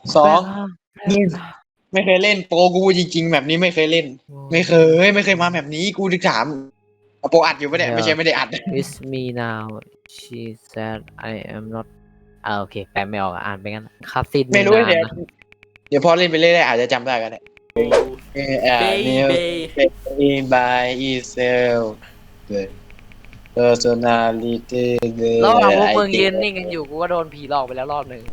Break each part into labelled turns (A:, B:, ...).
A: สองหนึ่งไม่เคยเล่นโปรกูจริงๆแบบนี้ไม่เคยเล่น ไม่เคยมาแบบนี้กูถึงถามโปรอัดอยู่ปะเนี่ยไม่ใช่ไม่ได้อัด
B: With me now she said I am not โอเคแปลไม่ออกอ่านไปงั้นคาสิน
A: ไม่รู้
B: นาน
A: เดี๋ยวพอเล่นไปเรื่อยๆอาจจะจำได้ก็ได้นิว บายอีเซล personality
B: ระหว่างพวกมึงยืนนิ่งกันอยู่กูก็โดนผีหลอกไปแล้วรอบหนึ่ง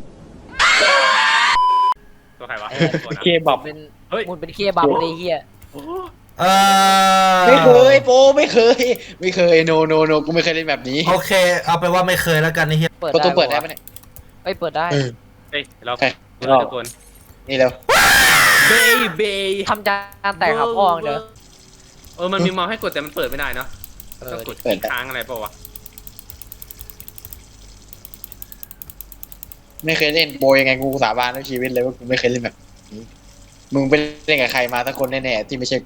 C: ตัวใครวะ
A: เคบับ
B: เป็น
C: เฮ้ย
B: มึงเป็นเคบับเลยเฮีย
D: เออ
A: ไม่เคยโปรไม่เคยโนกูไม่เคยเล่นแบบนี้
D: โอเค เอาไปว่าไม่เคยแล้วกันไอ้เหี้ย
B: เปิด
A: ประตู
B: ได้
A: เปิดได้ปะเนี่ย
B: เอ้ยเปิดได้
C: เฮ้ยเรา
A: ใช่
C: ทุกคน
A: นี่แล้ว
C: เบย์
B: ทำจานแตกครับพ่อเด้อ
C: มันมีเมาส์ให้กดแต่มันเปิดไม่ได้เนาะต้องกด
A: เปิด
C: ค้างอะไรเปล่าวะ
A: ไม่เคยเล่นโปรยังไงกูสาบานทั้งชีวิตเลยว่ากูไม่เคยเล่นแบบนี้มึงไปเล่นกับใครมาสักคนแน่ๆที่ไม่ใช่กู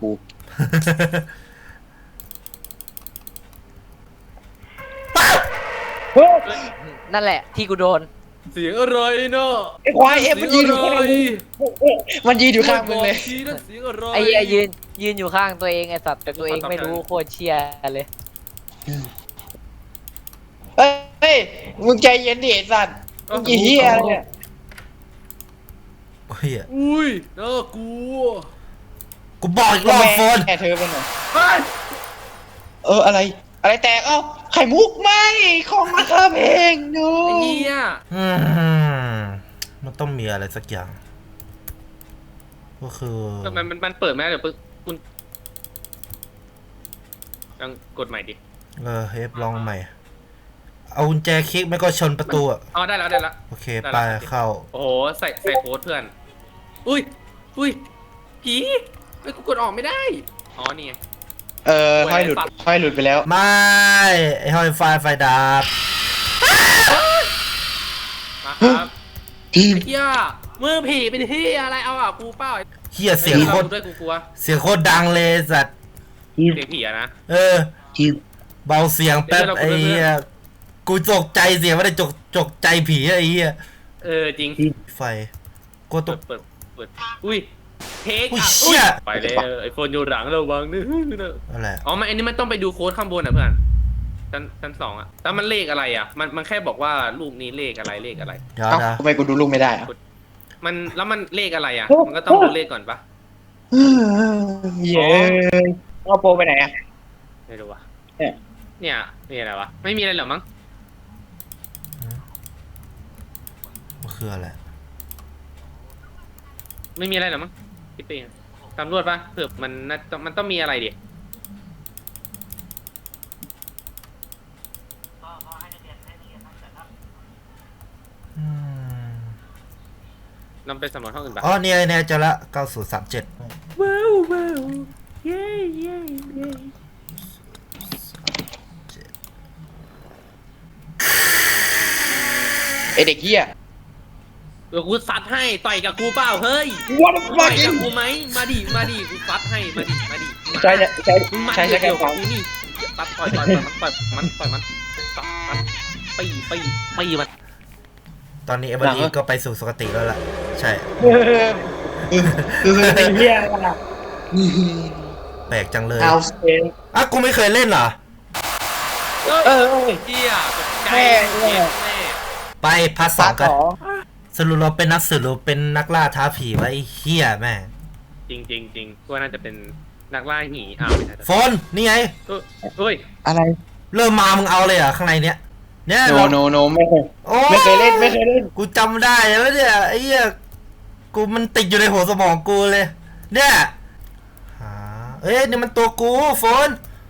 B: นั่นแหละที่กูโดน
C: เสียงอะไรเนาะ
A: ไอ้ควายเอฟมันยืนอยู่ข้างมึงมันยืนอยู่ข้างมึงเลย
C: ชี้นะเสียงอะไร
B: ไอ้เหี้ยยืนอยู่ข้างตัวเองไอ้สัตว์แต่ตัวเองไม่รู้โคตรเชียร์เลย
A: เฮ้ยมึงใจเย็นดิไอ้สัตว์มึงกี่เฮียอะไรเนี่ย
D: เหี้ย
C: อุ้ยน่ากลัว
D: กูบอกอีกรอบโฟน
A: แม่เธอเป็นไง
C: เฮ้ย
A: อะไรแตกเอ้าไข่มุกไหมของราคาแพงดู
C: ไอ้เหี้ย
D: อืมมันต้องมีอะไรสักอย่าง ก็คือ
C: ทำไมมันเปิดไม่ได้เดี๋ยวคุณยังกดใหม่ดิ
D: เฮฟลองใหม่ เอากุญแจคลิกไม่ก็ชนประตูอ่ะ
C: อ๋อได้แล้ว
D: โอเคไปเข้า
C: โอ้โหใส่โค้ดเพื่อนอุ้ยผีไอ้ยกูกดออกไม่ได้อ๋อนี่ไง
A: ห้อยหลุดไปแล้ว
D: ไม่ ไอ้ห้อยไฟดับ
C: มาครับ
A: ทีม
C: ไอ้เหี้ยมือผีเป็นที่อะไรเอาอ่ะกูเป้า
D: เหี้ยเสียงโคตร
C: ด้วยกูกลัว
D: เสียงโคตรดังเลยสัตว์
C: เสียงผีอะนะ
D: เออ
A: ทีม
D: เบาเสียงแป๊บ
C: เดี๋ยวเรา
D: ไอ้เหี้ยกูจกใจเสียงไม่ได้จกใจผีไอ้เหี้ย
C: จริง
D: ไฟกูตก
C: เปิดอุ้ยเทค
D: อุ้ย
C: อ่ะ
D: เชี่ย
C: ไปเลยไอโฟนอยู่หลังระวังนึ
D: อะไร
C: อ๋อมันอันนี้มันต้องไปดูโค้ดข้างบนอ่ะเพื่อนชั้นสองอ่ะแต่มันเลขอะไรอ่ะมันแค่บอกว่าลูกนี้เลขอะไร
D: เดี๋ยว
A: เอ้า
D: นะ
A: ทำไมกูดูลูกไม่ได้อะ
C: มันเลขอะไรอ่ะมันก็ต้องดูเลขก่อนปะ
A: เย้เอาโปรไปไหนอ่ะ
C: ไม่รู้ว่ะ
A: เนี่ย
C: นี่อะไรวะไม่มีอะไรหรอมั้ง
D: มันคืออะไร
C: ไม่มีอะไรหรอมั้งคิดไปเองตำรวจปะเผื่อมันต้องมีอะไรดิ
D: อืม
C: นำไปสำรวจห้องอื่นปะ
D: อ๋อเนี่ยเจอละ9037
C: ว้าวเย้
A: ไอเด็กเฮีย
C: เดี๋ยวกูซัดให้ต่อยกับกูเปล่าเฮ้ย
A: What the
C: ต่อย
A: fuck
C: กับกูไหมมาดิกูซัดให้มาดิ
A: ใช่ใช่
C: มึงมา
A: ใช่ใช่
C: เกี่ยวกับ
A: ใช่
C: กูนี่ตัดต่อยมันตัดมันปีมัน
D: ตอนนี้เอเวอร์ลีก็ไปสู่สุคติแล้วล่ะ ใช่
A: คือไอเฮียอะ
D: แปลกจังเลย
A: เอาสเปน
D: อ่ะกูไม่เคยเล่นเหรอ
C: เฮียใจ
A: แม่
D: ไปพาร์ทสองกันสรุปเราเป็นนักสืบหรือเป็นนักล่าท้าผีวะไอ้เหี้ยแม่ง
C: จริงว่าน่าจะเป็นนักล่าหีไม่ใช่
D: โฟนนี่ไง
C: เฮ้ย
A: อะไร
D: เริ่มมามึงเอาเลยเหรอข้างในเนี้ยเนี่ย
A: โนไม่เคย
D: โอ้
A: ไม่เคยเล่น
D: กูจำได้แล้วเนี่ยไอ้เหี้ยกูมันติดอยู่ในหัวสมองกูเลย เนี่ยหาเอ้ยนี่มันตัวกูโฟน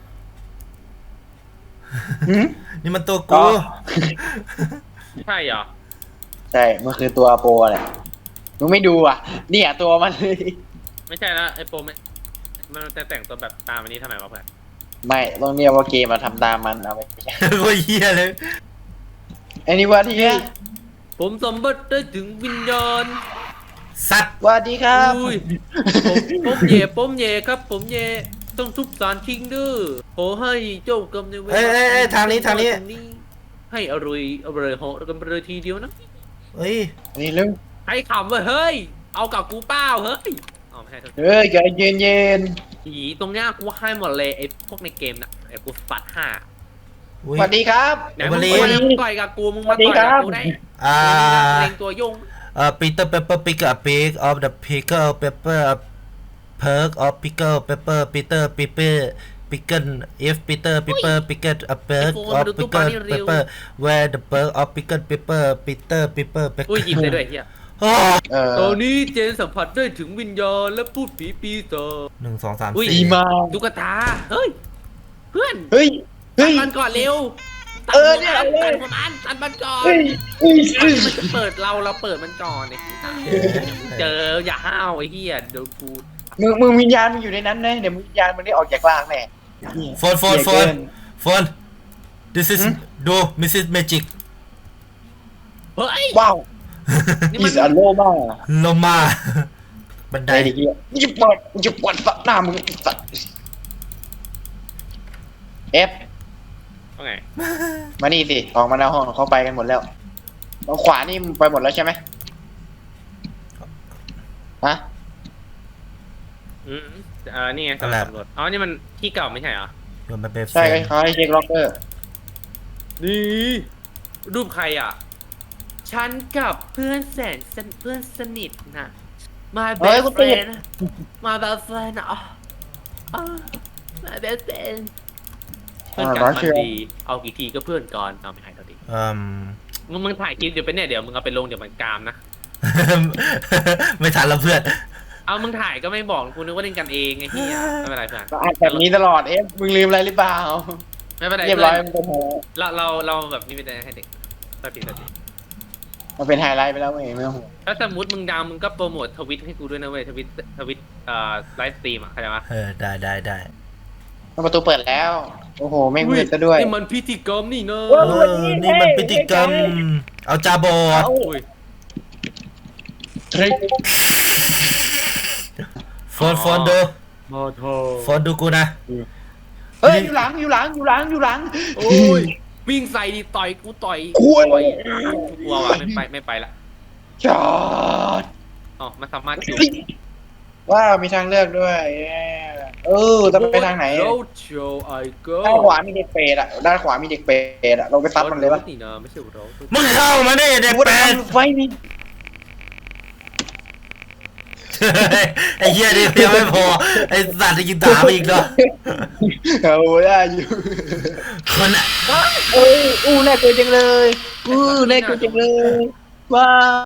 D: นี่มันตัวกู
C: ใช่เหรอ
A: ใช่มันคือตัวโปรแหละมึงไม่ดูอ่ะเนี่ยตัวมันเลย
C: ไม่ใช่แล้วไอ้โปรมันจะแต่งตัวแบบตามอันนี้ทำไมวะเพื่อน
A: ไม่ต้องเรียกว่าเกมมาทำตามมันเอาไปใช่
D: โคตรเหี้ยเลย
A: ไอ้นี่ว่าที่เนี้ย
C: ผมสมบัติได้ถึงวิญญาณ
D: สัตว์
A: สวัสดีครับ
C: อุ้ยผมเย่ครับผมเย่ต้องทุบสารทิ้งดื้อขอให้เจ้ากรรมในายเวร
D: เอ้ยทางนี้
C: ให้อร่อยเหาะกันไปเลยทีเดียวนะ
D: เฮ้ย
A: นี่เรื่อง
C: ใครขำเว้ยเฮ้ยเอากับกูเปล่าเฮ้ยอ๋อไม่ใช่โทษ
A: เฮ้ยใจเย็นเย็น
C: ผีตรงเนี้ยกูให้หมดเลยไอ้พวกในเกมน่ะไอ้กูปัด5
A: สวัสดีครับ
C: ไหนมึงมามึงต่อยกับกูมึงมาต่อยกับกูได้
D: อ่า
C: เล็งตัวยุ่ง
D: Peter Pepper pick a pig of the pickle pepper a perk of pickle pepper Peter pickle if Peter pickle a perk of pickle pepper where the perk of pickle pepper Peter pickle
C: อุ้ยหยิบได้ด้วยเฮีย ตอนนี้เจนสัมผัสได้ถึงวิญญาณและพูดผีปีศาจ
D: หนึ่งสองสาม
C: อุ้ย
A: ดี
D: สี่
A: มาก
C: ตุ๊กตาเฮ้ยเพื่อน
A: เฮ้ย
C: ตั
A: เฮ้
C: ด
A: ย
C: มันก่อนเร็ว
A: เนี่ย
C: ตัด
A: เลย
C: มันตัดมันก่อน
A: เฮ้ยเฮ้ยเฮ้ย
C: มันจะเปิดเราเปิดมันก่อนไอ้เจออย่าห้าวไอ้เหี้ยเดี๋ยวกู
A: มึงวิญญาณมึงอยู่ในนั้นนะเดี๋ยววิญญาณมึงได้ออกจากร่างแน่
D: โฟน this is do Mrs Magic
C: เฮ้ย
A: ว้าว
C: นี่
A: อี
C: มัน
A: สานโลมาก
D: ลงมาบันได
A: ไอ้เด็กเหี้ยมึงจะปวดสัตว์หน้ามึงไอ้สัตว์เอฟ
C: ว่าไง
A: มานี่สิออกมาหน้าห้องเขาไปกันหมดแล้วทางขวานี่มึงไปหมดแล้วใช่ไหมฮะ
C: อืมนี่ไงสำรวจอ๋อนี่มันที่เก่าไม่ใช่เหรอ
D: โยนมันไป
A: ใช่เขาให้เช็คล็อกเกอร์
C: นี่รูปใครอ่ะ ฉันกับเพื่อนเพื่อนสนิทนะ my
A: เฮ้ย
C: best
A: กูติด
C: friend my best friend อ่ะmy best friend เพื่อนกันมันดีเอากี่ทีก็เพื่อนก่อนเอาไม่ใช่เท่าดี มึงถ่ายคลิปเดี๋ยวไปเนี่ยเดี๋ยวมึงเอาไปลงเดี๋ยวมันกามนะ
D: ไม่ทันแล้วเพื่อน
C: เอามึงถ่ายก็ไม่บอกกูนึกว่าเล่นกันเองไอ้เหี้ยไม่เป็นไรเพื่อน
A: ก็อ่านแบบนี้ตลอดเอฟมึงลืมอะไรหรือเปล่า
C: ไม่เป็นไร
A: เรียบ
C: เพื่
A: ร้
C: อ
A: อย
C: น
A: มันเป็น
C: เราแบบนี้ไม่ได้ให้เด็กสติ
A: มันเป็นไฮไลท์ไปแล้วเว้ยไม่ต้องห่วง
C: ถ้าสมมติมึงดังมึงก็โปรโมททวิตให้กูด้วยนะเว้ยทวิตไลฟ์สตรีมอ่ะเข้าใจปะ
D: ได้
A: ประตูเปิดแล้ว โอ้โหไม่มืดซะด้วย
C: นี่มันพิธีกรรมนี่เนอะ
D: นี่มันพิธีกรรมเอาจาบอด
C: อุ้ย
A: ทริค
D: โฟนดู
C: โมโท
D: โฟนดูกูนะ
A: เฮ้ยอยู่หลัง
C: โอ้ยวิ่งใส่ดิต่อยกูต่อย
A: คุย
C: ต่อยกูกลัวว่ะไม่ไปละ
A: จอด
C: อ๋อมันสามารถอยู่
A: ว้าวมีทางเลือกด้วยจะไปทางไหน
C: โรดโชว์ไอโก้
A: ด้านขวามีเด็กเปรตอ่ะด้านขวามีเด็กเปรตอ่ะเราไปซัดมันเลยปะ
C: นี่นะไม่ใช่โรด
D: มึงเข้ามาได้เด็ก
A: กู
D: แป
A: จะ
D: ด
A: ทำไฟนี่
D: ไอ้เหี้ยนี่ยังไม่พอไอ้สัตว์จะยิงถามอีกเนาะ
A: เอาได้อยู่
D: คนอะ
A: น่ากลัวจังเลยน่ากลัวจังเลยว้า